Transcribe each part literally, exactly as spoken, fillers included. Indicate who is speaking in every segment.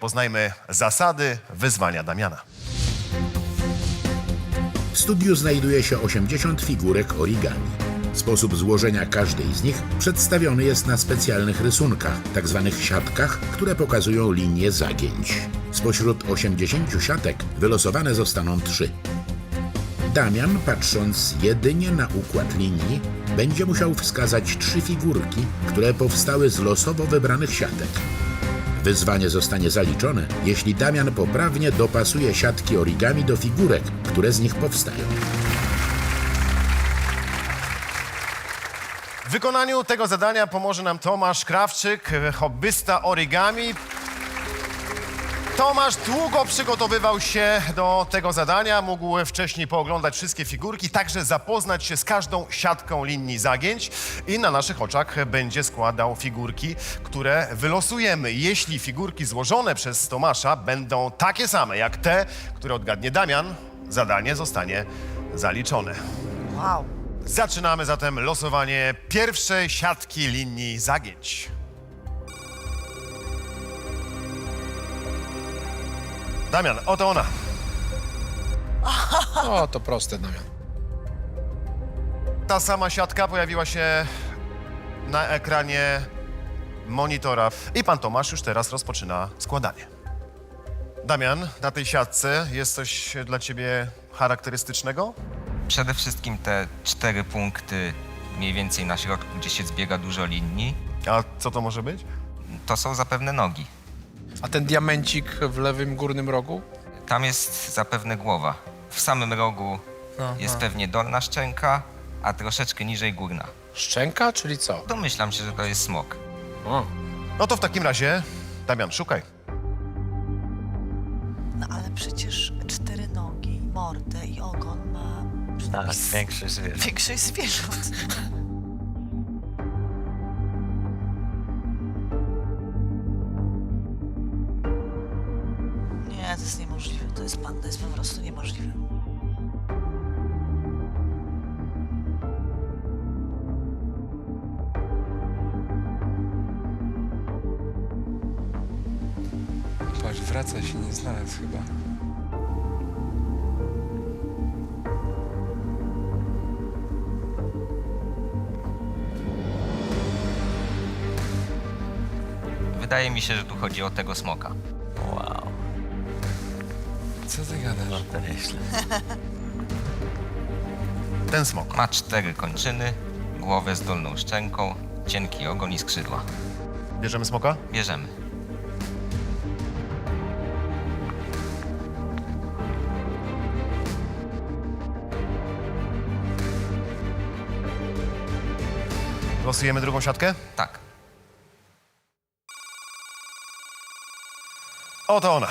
Speaker 1: poznajmy zasady wyzwania Damiana.
Speaker 2: W studiu znajduje się osiemdziesiąt figurek origami. Sposób złożenia każdej z nich przedstawiony jest na specjalnych rysunkach, tak zwanych siatkach, które pokazują linię zagięć. Spośród osiemdziesięciu siatek wylosowane zostaną trzy. Damian, patrząc jedynie na układ linii, będzie musiał wskazać trzy figurki, które powstały z losowo wybranych siatek. Wyzwanie zostanie zaliczone, jeśli Damian poprawnie dopasuje siatki origami do figurek, które z nich powstają.
Speaker 1: W wykonaniu tego zadania pomoże nam Tomasz Krawczyk, hobbysta origami. Tomasz długo przygotowywał się do tego zadania, mógł wcześniej pooglądać wszystkie figurki, także zapoznać się z każdą siatką linii zagięć i na naszych oczach będzie składał figurki, które wylosujemy. Jeśli figurki złożone przez Tomasza będą takie same jak te, które odgadnie Damian, zadanie zostanie zaliczone.
Speaker 3: Wow.
Speaker 1: Zaczynamy zatem losowanie pierwszej siatki linii zagięć. Damian, oto ona.
Speaker 4: O, to proste, Damian.
Speaker 1: Ta sama siatka pojawiła się na ekranie monitora i pan Tomasz już teraz rozpoczyna składanie. Damian, na tej siatce jest coś dla ciebie charakterystycznego?
Speaker 5: Przede wszystkim te cztery punkty mniej więcej na środku, gdzie się zbiega dużo linii,
Speaker 1: A co to może być?
Speaker 5: to są zapewne nogi.
Speaker 4: A ten diamencik w lewym górnym rogu?
Speaker 5: Tam jest zapewne głowa. W samym rogu
Speaker 4: Aha.
Speaker 5: jest pewnie dolna szczęka, a troszeczkę niżej górna.
Speaker 4: Szczęka, czyli co?
Speaker 5: Domyślam się, że to jest smok.
Speaker 4: O.
Speaker 1: No to w takim razie, Damian, szukaj.
Speaker 3: No ale przecież cztery nogi, mordę i ogon ma
Speaker 6: Tak, większość zwierząt.
Speaker 3: większość zwierząt. Nie, to jest niemożliwe. To jest pan, to jest po prostu niemożliwe.
Speaker 7: Patrz, wraca się, nie znalazł chyba.
Speaker 5: Wydaje mi się, że tu chodzi o tego smoka.
Speaker 6: Wow,
Speaker 7: Co ty gadasz?
Speaker 6: no to nieźle.
Speaker 1: Ten smok.
Speaker 5: Ma cztery kończyny, głowę z dolną szczęką, cienki ogon i skrzydła.
Speaker 1: Bierzemy smoka?
Speaker 5: Bierzemy.
Speaker 1: Losujemy drugą siatkę?
Speaker 5: Tak.
Speaker 1: Oto ona.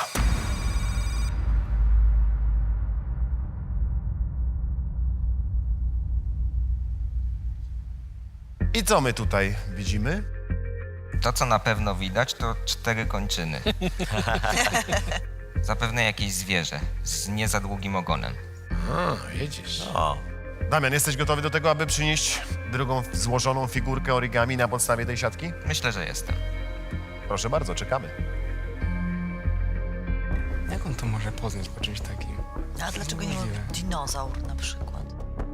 Speaker 1: I co my tutaj widzimy?
Speaker 5: To, co na pewno widać, to cztery kończyny. Zapewne jakieś zwierzę z nie za długim ogonem.
Speaker 4: A, jedziesz.
Speaker 6: O,
Speaker 1: Damian, jesteś gotowy do tego, aby przynieść drugą złożoną figurkę origami na podstawie tej siatki?
Speaker 5: Myślę, że jestem.
Speaker 1: Proszę bardzo, czekamy.
Speaker 7: Jak on to może poznać po czymś takim?
Speaker 3: A dlaczego nie
Speaker 7: Niemożliwe.
Speaker 3: dinozaur na przykład?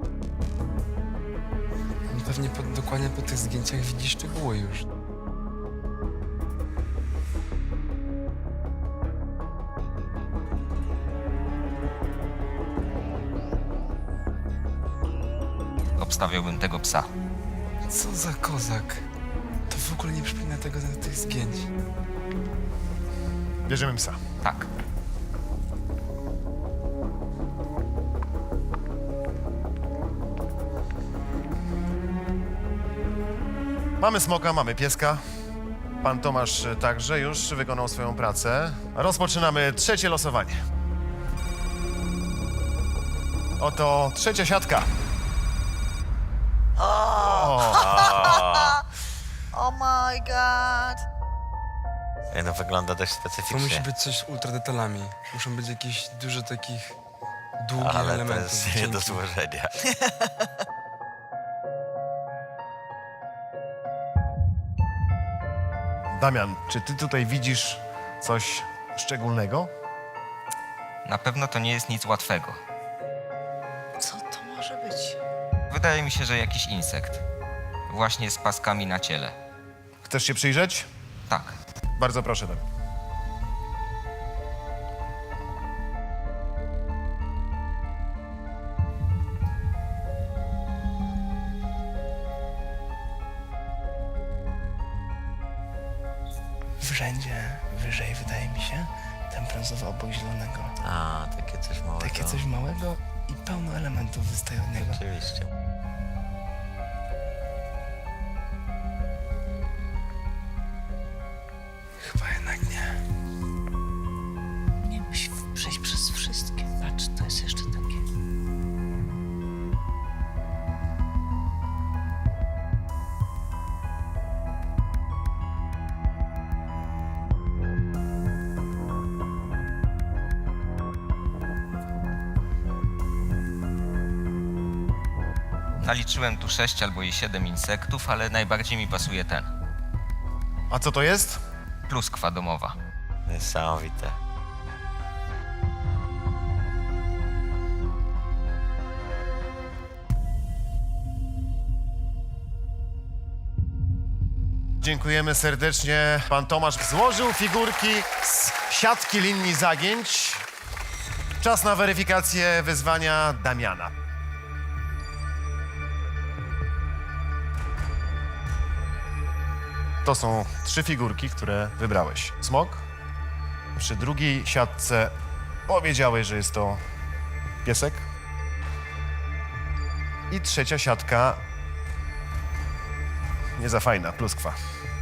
Speaker 7: On pewnie po, dokładnie po tych zdjęciach widzi szczegóły już.
Speaker 5: Obstawiałbym tego psa.
Speaker 7: Co za kozak? To w ogóle nie przypomina tego na tych zdjęć.
Speaker 1: Bierzemy psa.
Speaker 5: Tak.
Speaker 1: Mamy smoka, mamy pieska. Pan Tomasz także już wykonał swoją pracę. Rozpoczynamy trzecie losowanie. Oto trzecia siatka.
Speaker 3: Oh my god!
Speaker 6: nie, no wygląda dość
Speaker 7: To musi
Speaker 6: specyficznie.
Speaker 7: być coś z ultradetalami. Muszą być jakieś dużo takich długich
Speaker 6: Ale to
Speaker 7: elementów.
Speaker 6: jest nie do
Speaker 7: cienkich.
Speaker 6: złożenia.
Speaker 1: Damian, czy ty tutaj widzisz coś szczególnego?
Speaker 5: Na pewno to nie jest nic łatwego.
Speaker 3: Co to może być?
Speaker 5: Wydaje mi się, że jakiś insekt. Właśnie z paskami na ciele.
Speaker 1: Chcesz się przyjrzeć?
Speaker 5: Tak.
Speaker 1: Bardzo proszę, Damian.
Speaker 7: W rzędzie wyżej, wydaje mi się, ten brązowy obok zielonego.
Speaker 6: A, takie coś małego.
Speaker 7: Takie coś małego i pełno elementów wystaje od niego.
Speaker 6: Oczywiście.
Speaker 7: Chyba jednak nie.
Speaker 3: Nie musi przejść przez wszystkie. Patrz, to jest jeszcze takie.
Speaker 5: Naliczyłem tu sześć albo i siedem insektów, ale najbardziej mi pasuje ten.
Speaker 1: A co to jest?
Speaker 5: Pluskwa domowa.
Speaker 6: Niesamowite.
Speaker 1: Dziękujemy serdecznie. Pan Tomasz złożył figurki z siatki linii zagięć. Czas na weryfikację wyzwania Damiana. To są trzy figurki, które wybrałeś. Smok. Przy drugiej siatce powiedziałeś, że jest to piesek. I trzecia siatka nie za fajna, pluskwa.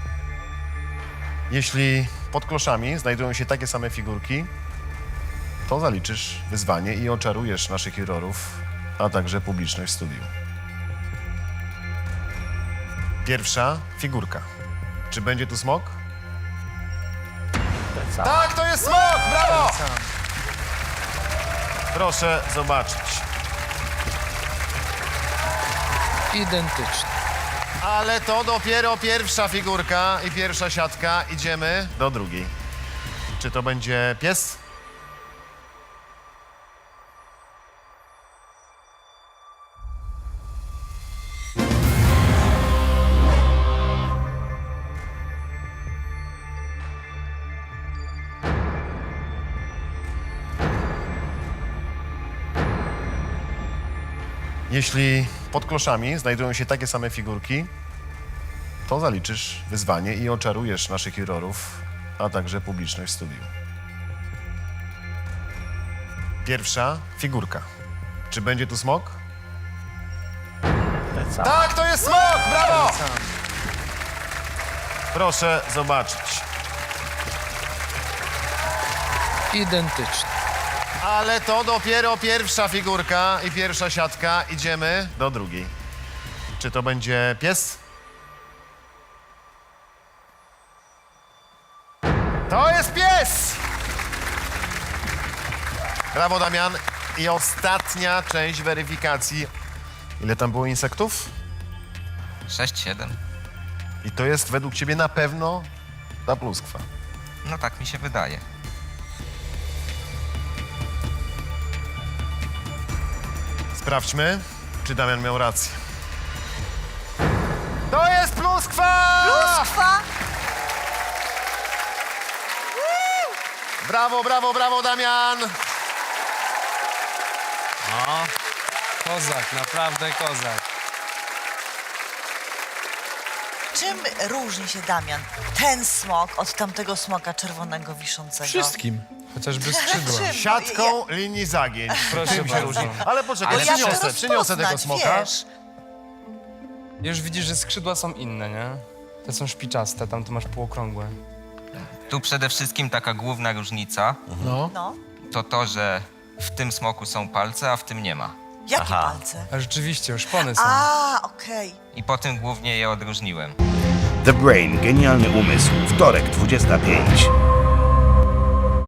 Speaker 1: Jeśli pod kloszami znajdują się takie same figurki, to zaliczysz wyzwanie i oczarujesz naszych jurorów, a także publiczność w studiu. Pierwsza figurka. Czy będzie tu smok?
Speaker 6: Ten sam.
Speaker 1: Tak, to jest smok! Brawo! Proszę zobaczyć.
Speaker 4: Identyczny.
Speaker 1: Ale to dopiero pierwsza figurka i pierwsza siatka. Idziemy do drugiej. Czy to będzie pies? Jeśli pod kloszami znajdują się takie same figurki, to zaliczysz wyzwanie i oczarujesz naszych jurorów, a także publiczność w studiu. Pierwsza figurka. Czy będzie tu smok?
Speaker 6: Ten sam.
Speaker 1: Tak, to jest smok! Brawo! Proszę zobaczyć.
Speaker 4: Identyczny.
Speaker 1: Ale to dopiero pierwsza figurka i pierwsza siatka. Idziemy do drugiej. Czy to będzie pies? To jest pies! Brawo, Damian. I ostatnia część weryfikacji. Ile tam było insektów?
Speaker 5: sześć, siedem.
Speaker 1: I to jest według ciebie na pewno ta pluskwa.
Speaker 5: No tak mi się wydaje.
Speaker 1: Sprawdźmy, czy Damian miał rację. To jest pluskwa!
Speaker 3: Pluskwa!
Speaker 1: Brawo, brawo, brawo, Damian!
Speaker 7: No, kozak, naprawdę kozak.
Speaker 3: Czym różni się, Damian, ten smok od tamtego smoka czerwonego wiszącego?
Speaker 4: Wszystkim. Chociażby skrzydła.
Speaker 3: Czym?
Speaker 1: Siatką linii zagięć.
Speaker 7: Proszę
Speaker 1: Tym się
Speaker 7: bardzo.
Speaker 1: różni. Ale poczekaj,
Speaker 3: Ale ja
Speaker 1: przyniosę,
Speaker 3: chcę
Speaker 1: przyniosę tego
Speaker 3: rozpoznać,
Speaker 1: smoka.
Speaker 3: wiesz.
Speaker 7: Już widzisz, że skrzydła są inne, nie? Te są szpiczaste, tam to masz półokrągłe.
Speaker 5: Tu przede wszystkim taka główna różnica
Speaker 4: No.
Speaker 3: No,
Speaker 5: to to, że w tym smoku są palce, a w tym nie ma.
Speaker 3: jakie
Speaker 6: Aha.
Speaker 3: palce?
Speaker 7: A rzeczywiście, szpony są.
Speaker 3: A, okej.
Speaker 5: I po tym głównie je odróżniłem.
Speaker 8: The Brain. Genialny umysł. Wtorek, dwudziesta piąta.